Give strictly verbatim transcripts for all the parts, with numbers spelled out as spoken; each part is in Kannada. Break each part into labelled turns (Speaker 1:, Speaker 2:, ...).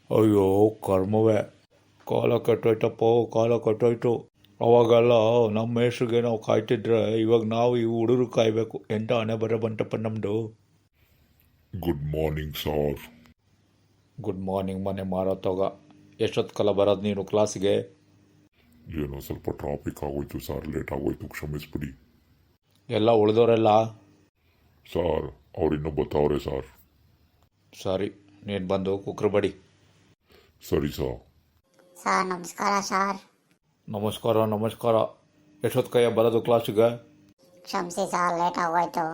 Speaker 1: ಅಯ್ಯೋ ಕರ್ಮವೇ, ಕಾಲ ಕೆಟ್ಟೋಯ್ತಪ್ಪ, ಕಾಲ ಕೆಟ್ಟೋಯ್ತು. ಅವಾಗೆಲ್ಲ ನಮ್ಮ ಮೇಷ್ರಿಗೆ ನಾವು ಕಾಯ್ತಿದ್ರೆ ಇವಾಗ ನಾವು ಈ ಹುಡುಗರು ಕಾಯಬೇಕು. ಎಂಥ ಹಣೆ ಬರ ಬಂತಪ್ಪ ನಮ್ಮದು.
Speaker 2: Good morning sir.
Speaker 1: Good morning ಮನೆ ಮಾರೋತ್ತಾಗ. ಎಷ್ಟೊತ್ತು ಕಾಲ ಬರೋದು ನೀನು ಕ್ಲಾಸಿಗೆ?
Speaker 2: ಏನೋ ಸ್ವಲ್ಪ ಟ್ರಾಫಿಕ್ ಆಗೋಯ್ತು ಸರ್, ಲೇಟ್ ಆಗೋಯ್ತು, ಕ್ಷಮಿಸ್ಬಿಡಿ.
Speaker 1: ಎಲ್ಲ ಉಳಿದವರೆಲ್ಲ?
Speaker 2: ಸರ್ ಅವ್ರಿನ್ನೂ ಬರ್ತಾವ್ರೆ ಸರ್.
Speaker 1: ಸರಿ, ನೀನು ಬಂದು ಕುಕ್ರು ಬಡಿ.
Speaker 2: ಸರಿ ಸರ್.
Speaker 3: ಸರ್ ನಮಸ್ಕಾರ ಸರ್.
Speaker 1: ನಮಸ್ಕಾರ ನಮಸ್ಕಾರ. ಎಷ್ಟೊತ್ತು ಕೈಯ ಬರೋದು ಕ್ಲಾಸಿಗೆ?
Speaker 3: ಕ್ಷಮಿಸಿ ಸರ್, ಲೇಟ್ ಆಗೋಯ್ತು.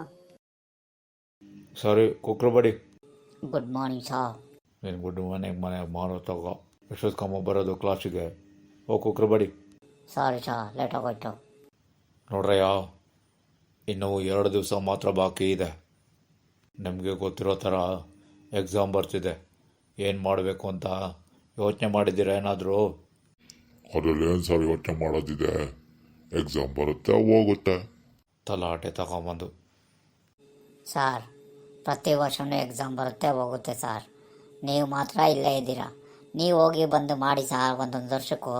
Speaker 1: ಸರಿ, ಕುಕ್ರು ಬಡಿ.
Speaker 3: Good morning sir.
Speaker 1: ನೀನು ಗುಡ್ ಮಾರ್ನಿಂಗ್ ಮನೆ ಮಾರೋತ್ತಾಗ. ಎಷ್ಟೊತ್ತು ಕಮ್ಮ ಬರೋದು ಕ್ಲಾಸಿಗೆ? ಓ ಕುಕ್ರು ಬಡಿ.
Speaker 3: ಸಾರಿ ಸರ್, ಲೇಟ್ ಆಗೋಯ್ತು.
Speaker 1: ನೋಡ್ರಯ್ಯ, ಇನ್ನೂ ಎರಡು ದಿವಸ ಮಾತ್ರ ಬಾಕಿ ಇದೆ. ನಿಮಗೆ ಗೊತ್ತಿರೋ ಥರ ಎಕ್ಸಾಮ್ ಬರ್ತಿದೆ. ಏನು ಮಾಡಬೇಕು ಅಂತ ಯೋಚನೆ ಮಾಡಿದ್ದೀರಾ ಏನಾದರೂ?
Speaker 2: ಅದರಲ್ಲಿ ಏನು ಸರ್ ಯೋಚನೆ ಮಾಡೋದಿದೆ? ಎಕ್ಸಾಮ್ ಬರುತ್ತೆ ಹೋಗುತ್ತೆ.
Speaker 1: ತಲಾಟೆ ತಗೊಂಬಂದು.
Speaker 3: ಸರ್ ಪ್ರತಿ ವರ್ಷವೂ ಎಕ್ಸಾಮ್ ಬರುತ್ತೆ ಹೋಗುತ್ತೆ ಸರ್. ನೀವು ಮಾತ್ರ ಇಲ್ಲೇ ಇದ್ದೀರಾ. ನೀವು ಹೋಗಿ ಬಂದು ಮಾಡಿ ಸರ್ ಒಂದೊಂದು ವರ್ಷಕ್ಕೂ.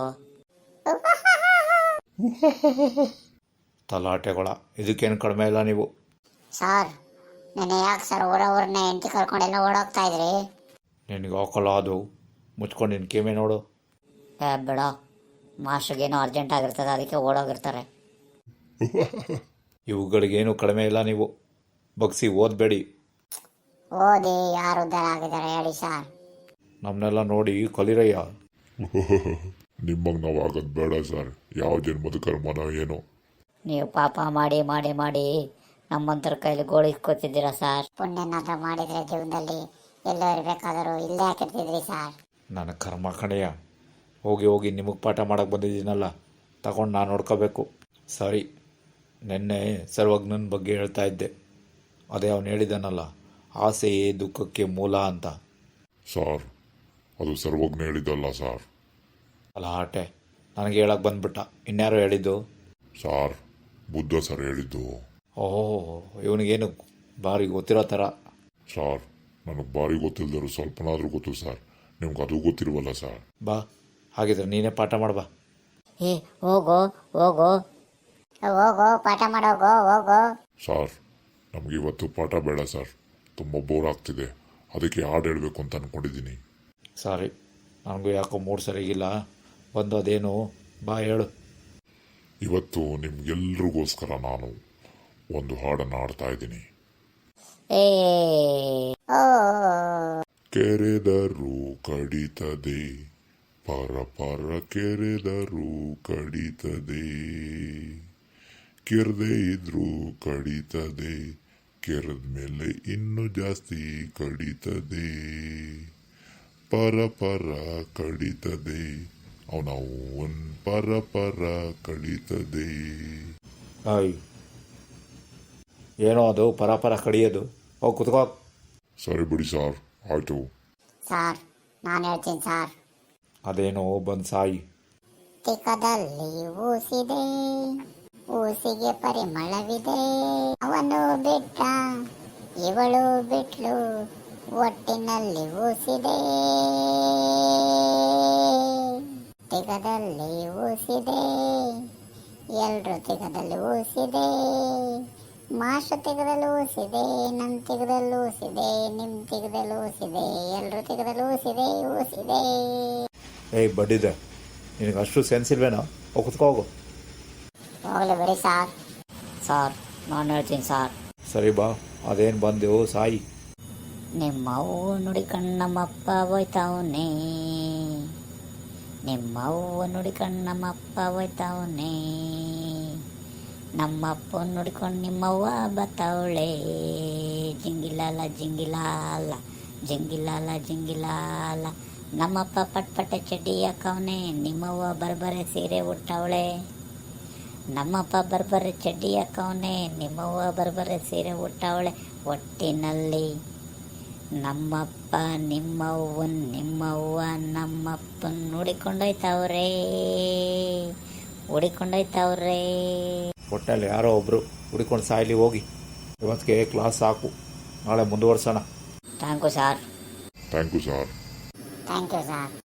Speaker 1: ತಲಾಟೆಗಳ, ಇದಕ್ಕೇನು ಕಡಿಮೆ ಇಲ್ಲ ನೀವು.
Speaker 3: ಸರ್ ನೆನೆ ಯಾಕೆ ಸರ್ ಊರವ್ರನ್ನ ಹೆಂಡತಿ ಕರ್ಕೊಂಡೆಲ್ಲ ಓಡೋಗ್ತಾ ಇದ್ರಿ?
Speaker 1: ನಿನಗೆ ಹಾಕಲ್ಲ ಅದು. ಮುಚ್ಕೊಂಡು ನಿನ್ನ ಕಿಮೆ ನೋಡು.
Speaker 3: ಏ ಬೇಡ, ಮಾಸ್ಟ್ರಿಗೇನೋ ಅರ್ಜೆಂಟ್ ಆಗಿರ್ತದೆ, ಅದಕ್ಕೆ ಓಡೋಗಿರ್ತಾರೆ.
Speaker 1: ಇವುಗಳಿಗೇನು ಕಡಿಮೆ ಇಲ್ಲ ನೀವು. ಬಗ್ಸಿ ಓದಬೇಡಿ.
Speaker 3: ಓದಿ ಯಾರು ಉದ್ಧಾರ ಆಗಿದ್ದಾರೆ ಹೇಳಿ ಸರ್.
Speaker 1: ನಮ್ಮನ್ನೆಲ್ಲ ನೋಡಿ ಕಲಿರಯ್ಯ.
Speaker 2: ನಿಮಗೆ ನಾವು ಆಗೋದು ಬೇಡ ಸರ್. ಯಾವ ಜನ್ಮದ ಕರ್ಮನ ಏನೋ.
Speaker 3: ನೀವು ಪಾಪ ಮಾಡಿ ಮಾಡಿ ಮಾಡಿ ನಮ್ಮಂತರ ಕೈಲಿ ಗೋಳು ಇಸ್ಕೊತಿದ್ದೀರಾ ಸರ್. ಪುಣ್ಯನಾದ್ರೂ ಮಾಡಿದ್ರೆ ಜೀವನದಲ್ಲಿ ಎಲ್ಲೋ ಇರಬೇಕಾದರೂ ಇಲ್ಲೇ ಹಾಕಿರ್ತಿದ್ರಿ ಸರ್.
Speaker 1: ನನ್ನ ಕರ್ಮ ಕಣೆಯ. ಹೋಗಿ ಹೋಗಿ ನಿಮಗೆ ಪಾಠ ಮಾಡೋಕ್ಕೆ ಬಂದಿದ್ದೀನಲ್ಲ, ತಗೊಂಡು ನಾನು ನೋಡ್ಕೋಬೇಕು. ಸರಿ, ನಿನ್ನೆ ಸರ್ವಜ್ಞನ ಬಗ್ಗೆ ಹೇಳ್ತಾ ಇದ್ದೆ. ಅದೇ ಅವನು ಹೇಳಿದಾನಲ್ಲ, ಆಸೆಯೇ ದುಃಖಕ್ಕೆ ಮೂಲ ಅಂತ.
Speaker 2: ಸರ್ ಅದು ಸರ್ವಜ್ಞ ಹೇಳಿದ್ದಲ್ಲ ಸರ್.
Speaker 1: ಅಲ್ಲ ಆಟೆ, ನನಗೆ ಹೇಳಕ್ಕೆ ಬಂದ್ಬಿಟ್ಟ. ಇನ್ಯಾರೋ ಹೇಳಿದ್ದು?
Speaker 2: ಸಾರ್ ಬುದ್ಧ ಸರ್ ಹೇಳಿದ್ದು.
Speaker 1: ಓಹೋ, ಇವನಿಗೇನು ಭಾರಿ ಗೊತ್ತಿರೋ ಥರ.
Speaker 2: ಸಾರ್ ನನಗೆ ಭಾರಿ ಗೊತ್ತಿಲ್ಲದರು ಸ್ವಲ್ಪನಾದರೂ ಗೊತ್ತು ಸರ್. ನಿಮ್ಗೆ ಅದು ಗೊತ್ತಿರುವಲ್ಲ ಸರ್.
Speaker 1: ಬಾ, ಹಾಗಿದ್ರೆ ನೀನೇ ಪಾಠ ಮಾಡ್ಬಾ.
Speaker 3: ಏ ಹೋಗೋ ಹೋಗೋ ಹೋಗೋ ಪಾಠ ಮಾಡೋಗೋ ಹೋಗೋ.
Speaker 2: ಸಾರ್ ನಮಗೆ ಇವತ್ತು ಪಾಠ ಬೇಡ ಸರ್, ತುಂಬ ಬೋರ್ ಆಗ್ತಿದೆ. ಅದಕ್ಕೆ ಹಾಡು ಹೇಳಬೇಕು ಅಂತ ಅಂದ್ಕೊಂಡಿದ್ದೀನಿ.
Speaker 1: ಸಾರಿ, ನನಗೂ ಯಾಕೋ ಮೂಡ್ ಸರಿಗಿಲ್ಲ. ಬಂದು ಅದೇನು ಬಾ ಹೇಳು.
Speaker 2: ಇವತ್ತು ನಿಮ್ಗೆಲ್ರಿಗೋಸ್ಕರ ನಾನು ಒಂದು ಹಾಡನ್ನು ಹಾಡ್ತಾ ಇದ್ದೀನಿ.
Speaker 3: ಏ ಓ
Speaker 2: ಕೆರೆದರೂ ಕಡಿತದೆ, ಪರ ಪರ ಕೆರೆದರೂ ಕಡಿತದೆ, ಕೆರೆದೇ ಇದ್ರೂ ಕಡಿತದೆ, ಕೆರೆದ ಮೇಲೆ ಇನ್ನೂ ಜಾಸ್ತಿ ಕಡಿತದೆ, ಪರ ಪರ ಕಡಿತದೆ, ಅವನವನ್ ಪರ ಪರ ಕಡಿತದೆ.
Speaker 1: ಆಯ್, ಏನೋ ಅದು ಪರ ಕಡಿಯೋದು? ಹೋಗಿ ಕುತ್ಕೋ.
Speaker 2: ಸರಿ ಬಿಡಿ ಸಾರ್, ಆಯಿತು.
Speaker 3: ಸರ್ ನಾನು ಹೇಳ್ತೀನಿ ಸರ್.
Speaker 1: ಅದೇನೋ ಬಂದು ಸಾಯಿ.
Speaker 3: ತಿಕ್ಕದಲ್ಲಿ ಊಸಿದೆ, ಊಸಿಗೆ ಪರಿಮಳವಿದೆ, ಅವನು ಬಿಟ್ಟ ಇವಳು ಬಿಟ್ಲು, ಒಟ್ಟಿನಲ್ಲಿ ಊಸಿದೆ, ತಿಗದಲ್ಲಿ ಊಸಿದೆ, ಎಲ್ರು ತಿಗದಲ್ಲಿ ಊಸಿದೆ, ಮಾಸ್ಟರ್ ತಿಗದಲ್ಲಿ ಊಸಿದೆ, ನಮ್ಮ ತಿಗದಲ್ಲಿ ಊಸಿದೆ, ನಿಮ್ಮ ತಿಗದಲ್ಲಿ ಊಸಿದೆ, ಎಲ್ರು ತಿಗದಲ್ಲಿ ಊಸಿದೆ ಊಸಿದೆ.
Speaker 1: ಏಯ್ ಬಡ್ಡಿದೆ, ನಿನಗೆ ಅಷ್ಟು ಸೆನ್ಸ್ ಇಲ್ವೇನೋ? ಹೋಗಿ ಕುತ್ಕೋ ಹೋಗು.
Speaker 3: ಹೋಗ್ಲಿ ಬಿಡಿ ಸಾರ್. ಸಾರ್ ನಾನು ಹೇಳ್ತೀನಿ ಸಾರ್.
Speaker 1: ಸರಿ ಬಾ, ಅದೇನು ಬಂದೆವು ಸಾಯಿ.
Speaker 3: ನಿಮ್ಮವ್ವ ನುಡಿಕಂಡು ನಮ್ಮಪ್ಪ ಹೋಯ್ತಾವನೆ, ನಿಮ್ಮವ್ವ ನುಡಿಕಂಡು ನಮ್ಮಪ್ಪ ಹೋಯ್ತಾವನೆ, ನಮ್ಮಪ್ಪ ನುಡಿಕೊಂಡು ನಿಮ್ಮವ್ವ ಬತ್ತವಳೆ, ಜಿಂಗಿಲಾಲ ಜಿಂಗಿಲಾಲ ಜಿಂಗಿಲಾಲ ಜಿಂಗಿಲಾಲ, ನಮ್ಮಪ್ಪ ಪಟ್ಪಟ್ಟೆ ಚಡ್ಡಿ ಹಾಕವನೆ, ನಿಮ್ಮವ್ವ ಬರ್ಬರೆ ಸೀರೆ ಉಟ್ಟವಳೆ, ನಮ್ಮಪ್ಪ ಬರ್ಬರೆ ಚಡ್ಡಿ ಹಾಕವನೆ, ನಿಮ್ಮವ್ವ ಬರ್ಬರೆ ಸೀರೆ ಉಟ್ಟವಳೆ, ಒಟ್ಟಿನಲ್ಲಿ ನಮ್ಮಪ್ಪ ನಿಮ್ಮವ್ವನ್ ನಿಮ್ಮವ್ವ ನಮ್ಮಪ್ಪನ ಹುಡಿಕೊಂಡೋಯ್ತವ್ರೇ ಹುಡಿಕೊಂಡೋಯ್ತವ್ರೇ.
Speaker 1: ಒಟ್ಟಲ್ಲಿ ಯಾರೋ ಒಬ್ಬರು ಹುಡ್ಕೊಂಡು ಸಾಯ್ಲಿ ಹೋಗಿ. ಇವತ್ತಿಗೆ ಕ್ಲಾಸ್ ಸಾಕು, ನಾಳೆ ಮುಂದುವರ್ಸೋಣ.
Speaker 3: Thank you sir.
Speaker 2: Thank you sir.
Speaker 3: Thank you sir.